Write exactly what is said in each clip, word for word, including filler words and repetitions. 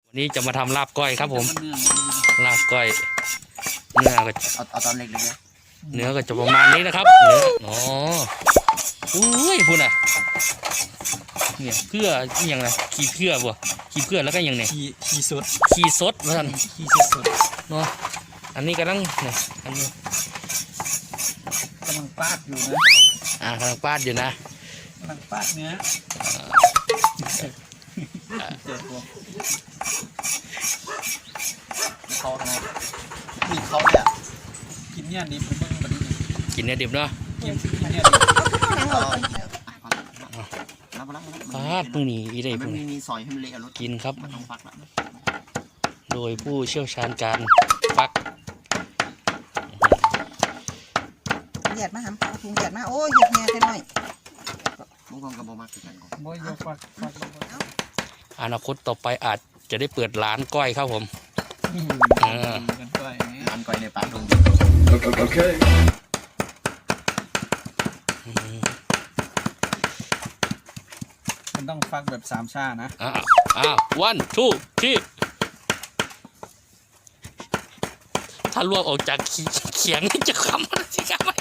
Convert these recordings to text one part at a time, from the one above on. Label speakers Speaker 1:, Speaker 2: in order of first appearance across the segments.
Speaker 1: วันนี้จะมาทำลาบก้อยครับผมลาบก้อยเนื้อก็
Speaker 2: เอาเอาตอนเล็กๆเลย
Speaker 1: เนื้อก็จะประมาณนี้นะครับเนื้ออ๋ออุ้ยพูดน่ะเนี่ยเพื่ออย่างไรขี้เพื่อบ่ขี้เพื่อแล้วก็อย่างเนี่ย
Speaker 3: ขี้ขี้สด
Speaker 1: ขี้สดว่าท่าน
Speaker 3: ขี้สดสด
Speaker 1: เนาะอันนี้กำลังเนี่ยอันนี้
Speaker 3: กำลังปาดอยู่นะ
Speaker 1: อ่ากำลังปาดอยู่นะ
Speaker 3: กำลังปาดเนื้อ
Speaker 2: เขาทำไมมีเขาเนี่ย
Speaker 3: กินเนี่ยดิบผมเบิ่งแบบนี้
Speaker 1: กินเนี่ยดิบเนาะ
Speaker 3: กินเนี่ยดิบ
Speaker 1: ปาดมือนี่อีได้พวกนี้
Speaker 2: มีซอยให้มันเละรถ
Speaker 1: กินครับ
Speaker 2: มันต้องฟักละ
Speaker 1: โดยผู้เชี่ยวชาญการฟัก
Speaker 4: เหยียดมาหำถุงเหยียดมาโอ้ยเหยียดแง่แค่น้อย
Speaker 2: มุ้งกองกระบอกมาคือกันก่อน
Speaker 3: บ่ยกฟักฟัก
Speaker 1: อนาคตต่อไปอาจจะได้เปิดร้านก้อยครับผม
Speaker 2: ร้านก้อยในป่าดงโอเค
Speaker 3: มันต้องฟักแบบสามชานะ
Speaker 1: อ่าอ่าวันทูที่ถ้าลวกออกจากเขียงจะคำสิครับ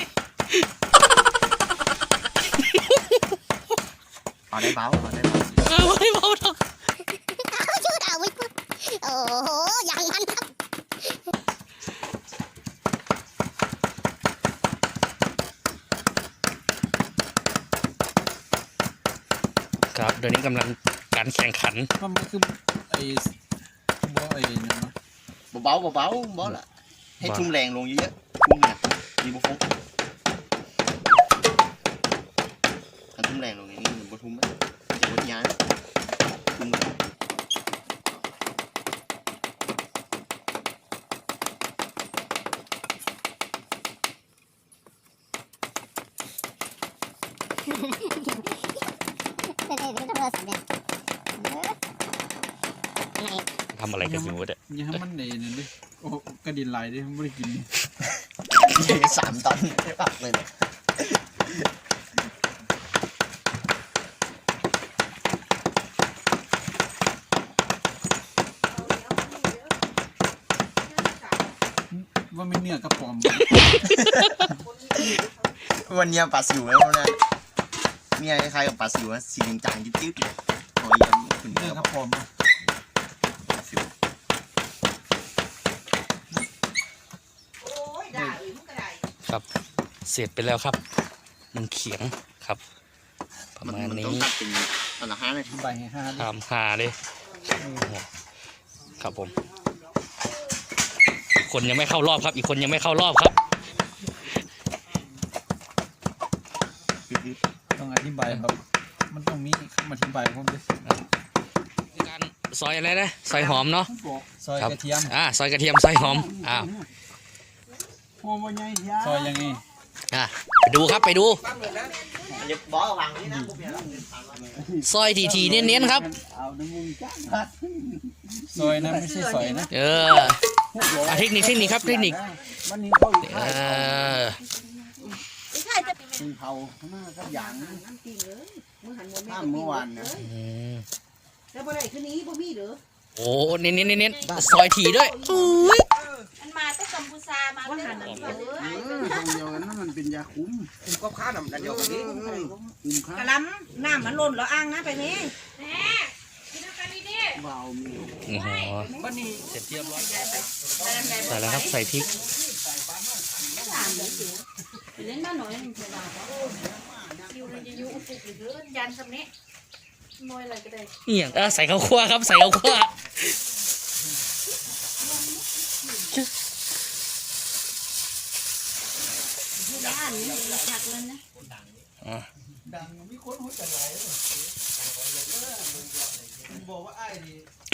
Speaker 2: เอาได้เบาเอาได้เบา
Speaker 1: เออไม่เบาหรอก
Speaker 5: ชื่อดาวิดโอ้โหอย่างนั้นครับ
Speaker 1: ครับเดี๋ยวนี้กำลังการแข่งขัน
Speaker 3: มันคือไอ้บ่ไอ้นั่นเนาะ
Speaker 2: เบาๆเบาๆเบาละให้ทุ่มแรงลงเยอะๆทุ่มเนี่ยมีบุฟเฟ่ถ้าทุ่มแรงลงอย่างนี้บุทุ่มไหมจะบุย้ายทุ่ม
Speaker 1: ทำอะไรกันอยู่เนี่ย
Speaker 3: ยังให้มันเด่นเลยโอ้กระดิ่งไหลดิไม่ได้กิน
Speaker 2: สามตันไม่ปักเลย
Speaker 3: ว่าไม่เนื้อกระป๋อม
Speaker 2: วันนี้ปลาสิวแล้วนะเมียคล้ายกับปลาสิวสีจางๆจิ๊ดๆหอยยังขึ้น
Speaker 3: เนื้อกระป๋อม
Speaker 1: ครับเสร็จไปแล้วครับมันเขียงครับประมาณนี้
Speaker 2: ตอนละห้าเลย
Speaker 3: ใบห้า
Speaker 1: ทำหาเลยครับผมอีกคนยังไม่เข้ารอบครับอีกคนยังไม่เข้ารอบครับ
Speaker 3: ต้องอธิบายครับมันต้องมีคำอธิบายผมด้วย
Speaker 1: การซอยอะไรนะซอยหอมเนาะ
Speaker 3: ซอยกระเทียม
Speaker 1: อ่าซอยกระเทียมซอยหอมอ้าว
Speaker 3: ซอยยังไง
Speaker 1: อ่ะไปดูครับไปดูซอยทีทีเน้นๆครับ
Speaker 3: ซอยนะไม่ใช่ซอยนะ
Speaker 1: เออเทคนิคเทคนิคครับเทคนิคเออ
Speaker 2: เผาหน้าก็อย่างข้ามเมื่อวานนะ
Speaker 4: แล้วบ่ได้คืนนี้บ่มีหรือ
Speaker 1: โอ้เน้นเน้นเน้นซอยทีด้วย
Speaker 5: มันมาตั้งกัมพูชามาตั้งแต่เออ
Speaker 2: ตรงเดียวกันนั่นมันเป็นยาคุ้มคุ้มก็ค้าดำนั่นเดียวกันนี้คุ้มค้าก
Speaker 4: ระลำน้ำมันล้นแล้วอ้างนะไปนี้
Speaker 5: แม่กินกันดีดิ
Speaker 2: เบามี
Speaker 1: โอ้โหเสร็จเรียบร้อยใส่แล้วครับใส่พริก
Speaker 5: เล่นบ้านหน่อยมันเป็นบ้าอยู่ในยูอุปุกหรือยันสำเนาน้อยอะไรก็ได้
Speaker 1: เอี่ยงใส่ข้าวคั่วครับใส่ข้าวคั่ว
Speaker 5: ด้านนี้หักเลยนะ
Speaker 3: ดังมีคนหัวใจไหลบอกว่าไอ้ดี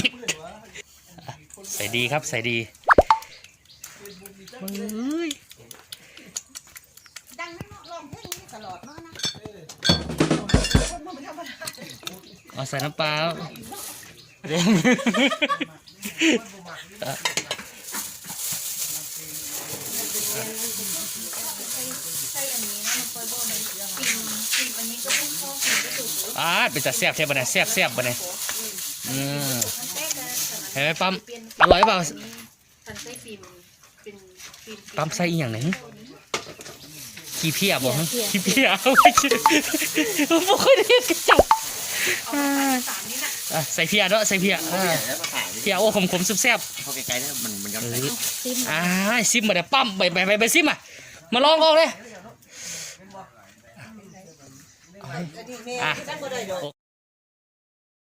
Speaker 1: ใส่ดีครับใส่ดี
Speaker 4: ดังนั้นลองเพลงนี้ตลอดเนาะนะ
Speaker 1: เอาใส่น้ำปลาเร่งอ่าเป็นแต่แซ่บแซ่บบ่เนี่ยแซ่บแซ่บบ่เนี่ยอืมเอไหมปั๊ม
Speaker 5: เปลี่ยน
Speaker 1: อร่อยเปล่า
Speaker 5: ทันใส่ฟิล์มเป็นฟิล์ม
Speaker 1: ปั๊มใส่อีกอย่างหนึ่งขี้เพียบ่ฮะขี้เพียเอาไม่ใช่ไม่ค่อยได้กระจับ
Speaker 5: เอาไปสามนี่น่ะ
Speaker 1: อ่ะใส่เพียเนาะใส่เพีย
Speaker 2: เขา
Speaker 1: อ่า
Speaker 2: เปลี่ยนแล้วมาขาย
Speaker 1: เพียโอ้ขมขมๆแซ่บ
Speaker 2: เขาไกลๆแล้วมันมันย้อน
Speaker 1: ๆ
Speaker 2: ไป
Speaker 1: เออ
Speaker 5: ซิม
Speaker 1: อ่าซิมมาเดี๋ยวปั๊มไปไปไปไปซิมอ่ะมาลองออกเลย
Speaker 4: อันนี้แม่
Speaker 1: อ่ะ
Speaker 4: ตั้งบ่ได้ดอก